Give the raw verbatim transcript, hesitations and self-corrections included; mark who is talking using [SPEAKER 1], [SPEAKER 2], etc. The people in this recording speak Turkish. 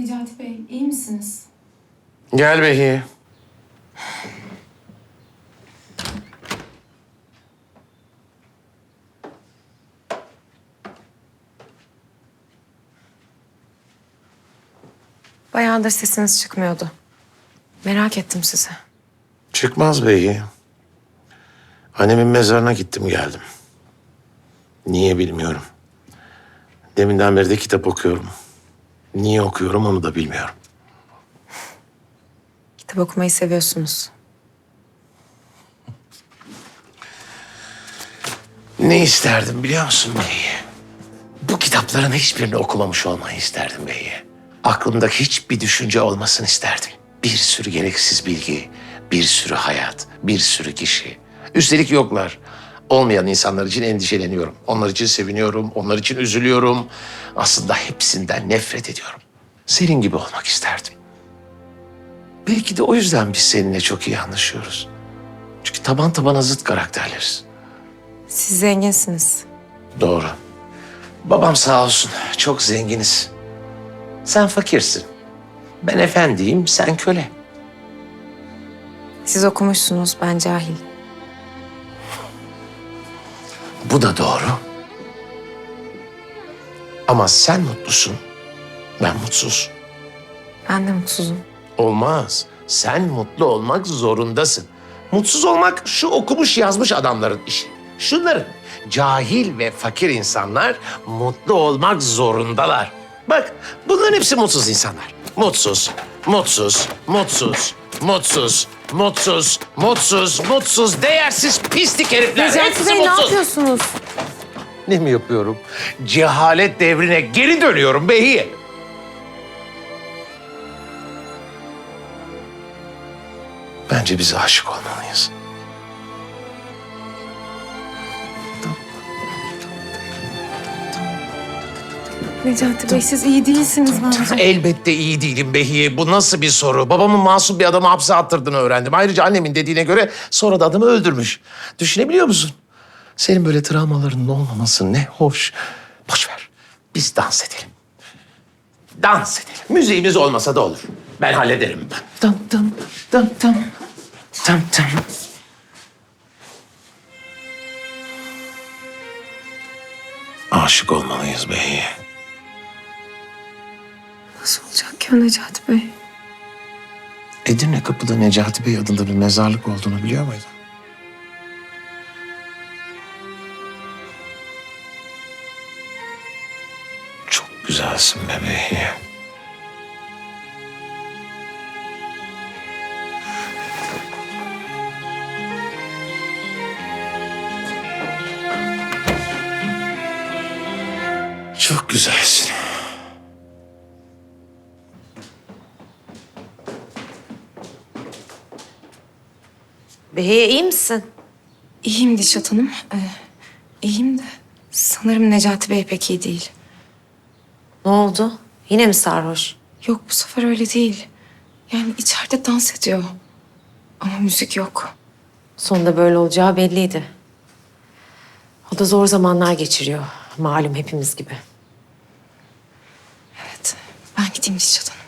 [SPEAKER 1] Necati Bey, iyi misiniz?
[SPEAKER 2] Gel Behiye.
[SPEAKER 1] Bayağıdır sesiniz çıkmıyordu. Merak ettim sizi.
[SPEAKER 2] Çıkmaz Behiye. Annemin mezarına gittim geldim. Niye bilmiyorum. Deminden beri de kitap okuyorum. Niye okuyorum onu da bilmiyorum.
[SPEAKER 1] Kitap okumayı seviyorsunuz.
[SPEAKER 2] Ne isterdim biliyor musun Behiye? Bu kitapların hiçbirini okumamış olmayı isterdim Behiye. Aklımdaki hiçbir düşünce olmasını isterdim. Bir sürü gereksiz bilgi, bir sürü hayat, bir sürü kişi. Üstelik yoklar. Olmayan insanlar için endişeleniyorum. Onlar için seviniyorum, onlar için üzülüyorum. Aslında hepsinden nefret ediyorum. Senin gibi olmak isterdim. Belki de o yüzden biz seninle çok iyi anlaşıyoruz. Çünkü taban tabana zıt karakterleriz.
[SPEAKER 1] Siz zenginsiniz.
[SPEAKER 2] Doğru. Babam sağ olsun, çok zenginiz. Sen fakirsin. Ben efendiyim, sen köle.
[SPEAKER 1] Siz okumuşsunuz, ben cahil.
[SPEAKER 2] Bu da doğru. Ama sen mutlusun, ben mutsuz.
[SPEAKER 1] Ben de mutsuzum.
[SPEAKER 2] Olmaz. Sen mutlu olmak zorundasın. Mutsuz olmak şu okumuş yazmış adamların işi. Şunların cahil ve fakir insanlar mutlu olmak zorundalar. Bak bunların hepsi mutsuz insanlar. Mutsuz, mutsuz, mutsuz, mutsuz, mutsuz, mutsuz, mutsuz, değersiz pislik herifler.
[SPEAKER 1] Necati
[SPEAKER 2] Hepsi
[SPEAKER 1] Bey, ne
[SPEAKER 2] mutsuz.
[SPEAKER 1] yapıyorsunuz?
[SPEAKER 2] Ne mi yapıyorum? Cehalet devrine geri dönüyorum Behiye. Bence biz aşık olmalıyız.
[SPEAKER 1] Necati Bey, siz iyi değilsiniz bence.
[SPEAKER 2] Elbette iyi değilim Behiye. Bu nasıl bir soru? Babamın masum bir adamı hapse attırdığını öğrendim. Ayrıca annemin dediğine göre sonra da adamı öldürmüş. Düşünebiliyor musun? Senin böyle travmalarının olmaması ne hoş. Boş ver. Biz dans edelim. Dans edelim. Müziğimiz olmasa da olur. Ben hallederim. Tam tam tam tam. Tam tam. Aşık olmalıyız Behiye.
[SPEAKER 1] Nasıl olacak ki o Necati Bey?
[SPEAKER 2] Edirne Kapı'da Necati Bey adında bir mezarlık olduğunu biliyor muydun? Çok güzelsin bebeğim. Çok güzelsin.
[SPEAKER 3] Behiye iyi misin?
[SPEAKER 1] İyiyim Dişat Hanım. Ee, iyiyim de sanırım Necati Bey pek iyi değil.
[SPEAKER 3] Ne oldu? Yine mi sarhoş?
[SPEAKER 1] Yok, bu sefer öyle değil. Yani içeride dans ediyor. Ama müzik yok.
[SPEAKER 3] Sonunda böyle olacağı belliydi. O da zor zamanlar geçiriyor. Malum hepimiz gibi.
[SPEAKER 1] Evet, ben gideyim Dişat Hanım.